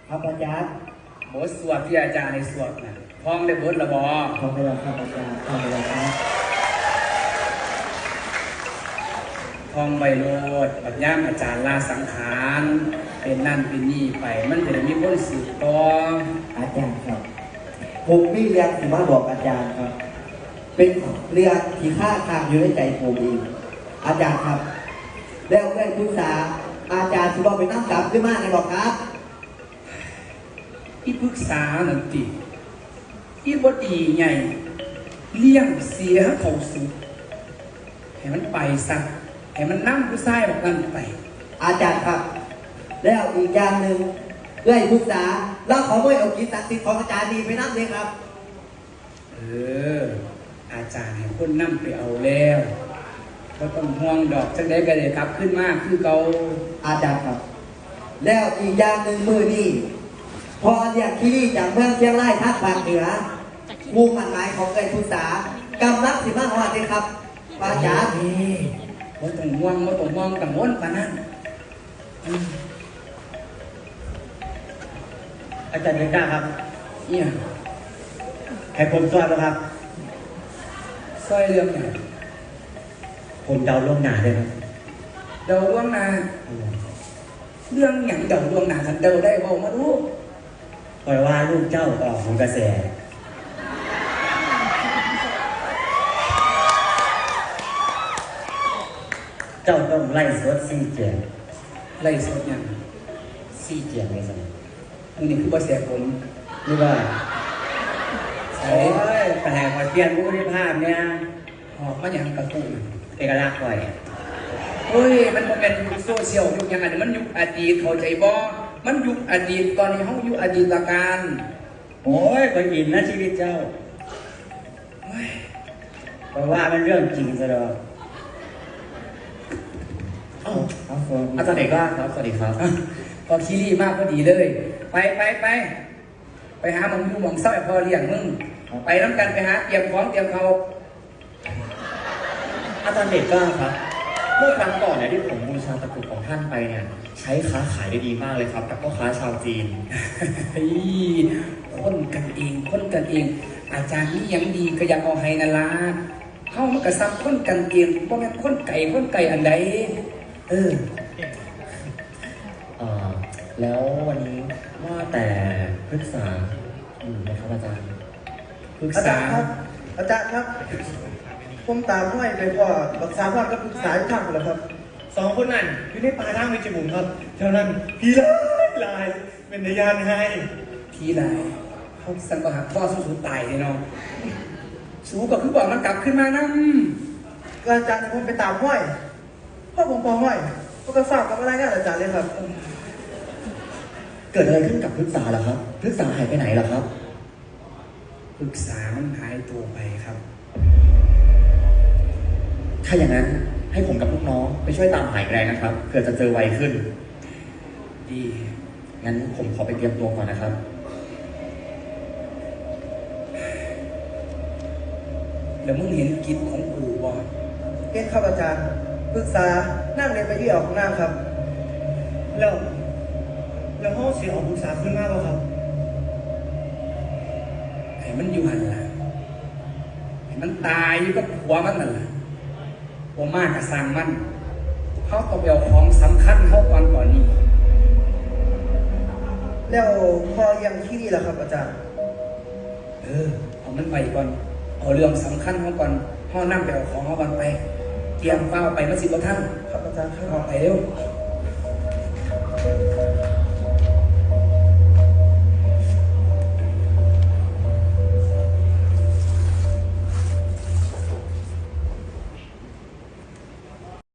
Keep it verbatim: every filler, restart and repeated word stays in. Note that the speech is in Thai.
ครับอาจารย์บทสวดที่อาจารย์ในสวดนะท่องได้บทละบอท่องไปแล้วครับอาจารย์ท่องไปแล้วครับท่องใบโลดปัญญามอาจารย์ลาสังขารเป็นนั่นเป็นนี่ไปมันจะได้มีคนสืบต่ออาจารย์ครับผมมีเรื่องที่มาบอกอาจารย์ครับเป็นเรื่องที่ข้าคางอยู่ในใจผมเองอาจารย์ครับแล้วได้ปรึกษาอาจารย์ที่บอกไปนั่งกลับขึ้นมาในบอกครับที่ปรึกษาหนึ่งติที่บดีไงเลี้ยงเสียเขาสุดให้มันไปซะให้มันนั่งผู้ชายแบบนั้นไปอาจารย์ครับแล้วอีกอย่างหนึ่งเรื่องปรึกษาแล้วขอไม่เอากิจศักดิ์สิทธิ์ของอาจารย์ดีไปนั่งเลยครับเอออาจารย์ให้คนนั่งไปเอาแล้วก็ต้องห่วงดอกจังได้ก็เลยกลับขึ้นมากคือเขาอาจารย์ครับแล้วอีกอย่างหนึ่งมือนี่พอเรียกที่จากเมืองเชียงรายภาคภาคเหนือมุ่งมั่นหมายของเกิดศึกษากำลังสิมาฮอดเลยครับอาจารย์นี่ว่าต้องห่วงว่าต้องห่วงกังวลปานนั้นอาจารย์ยังกล้าครับเนี่ยให้ผมช่วยไหมครับช่วยเรื่องไหนผมเดาล่วงหน้าเลยครับเดาล่วงหน้าเรื่องอย่างเดาล่วงหน้าทันเดาได้บอกมาดูปล่อยว่าลูกเจ้าออกของกระแสเจ้าต้องไล่สดซี่เจียงไล่สดอย่างซี่เจียงไงสันอันนี้คือบทเสียผมนี่ว่าโอ้ยแต่พอเปลี่ยนผู้บริภาพเนี่ยหอบมาอย่างกระตุ้นเอกลักษณ์ก่อยเฮ้ยมันเป็นยุคโซเชียลยุคยังไงมันยุคอดีตเข้าใจบ่มันยุคอดีตตอนนี้เขายุคอดีตการโอ้ยคนอินนะชีวิตเจ้าเพราะว่ามันเรื่องจริงซะแล้วอาจารย์เอกว่าครับสวัสดีครับพอคีรีมากพอดีเลยไปไปไปไปหาหมองยูหมองเศร้าพอเลี้ยงมึงไปน้ำกันไปหาเตรียมของเตรียมเขาอาจารย์เอกว่าครับเมื่อครั้งก่อนเนี่ยที่ผมบูชาตะกรุดของท่านไปเนี่ยใช้ค้าขายได้ดีมากเลยครับกับพ่อค้าชาวจีนคนกันเองคนกันเองอาจารย์นี่ยังดีก็ยังเอาให้นาลาเข้ามันกระซับคนกันเองเพราะงั้นคนไก่คนไก่อันใดเออเออแล้ววันนี้ว่าแต่ปรึกษาอยู่ไหมครับอาจารย์ปรึกษาครับอาจารย์ครับผมตามห้อยไปพ่อรักษาพ่อก็ปรึกษาอยู่ข้างเลยครับสองคนนั่นอยู่ในป่าทางเวชบุญครับเท่านั้นพี่ลายลายเป็นพยานให้พี่ลายเขาสั่งประหารพ่อสู้ๆตายเลยน้องสู้ก็คือบอกมันกลับขึ้นมานั่งอาจารย์ผมไปตามห้อยพ่อผมพอห้อยก็กระฝากกับอะไรกันอาจารย์เลยครับเกิดอะไรขึ้นกับพฤกษาล่ะครับพฤกษาหายไปไหนล่ะครับพฤกษามันหายตัวไปครับถ้าอย่างนั้นให้ผมกับลูกน้องไปช่วยตามหาแรงนะครับเผื่อจะเจอไวขึ้นดีงั้นผมขอไปเตรียมตัวก่อนนะครับแล้วมึงเห็นกิจของกูบ่เห็นครับอาจารย์ปรึกษานั่งเรียนไปที่ออกหน้าครับแล้วแล้วห้องเสียออกปรึกษาขึ้นมากแล้วครับไอ้มันอยู่หันล่ะไอ้มันตายอยู่กับหัวมันนั่นแหละหัวมากกับสร้างมันเขาต้องเอาของสำคัญเขาก่อนก่อนนี้แล้วพอยังที่นี่แหละครับอาจารย์เออเอามันไปก่อนเอาเรื่องสำคัญเขาก่อนเขานั่งไปเอาของเขาก่อนไปเตรียมเป้าไปมาสิบกว่าท่านครับอาจารย์ครับออกไปเร็ว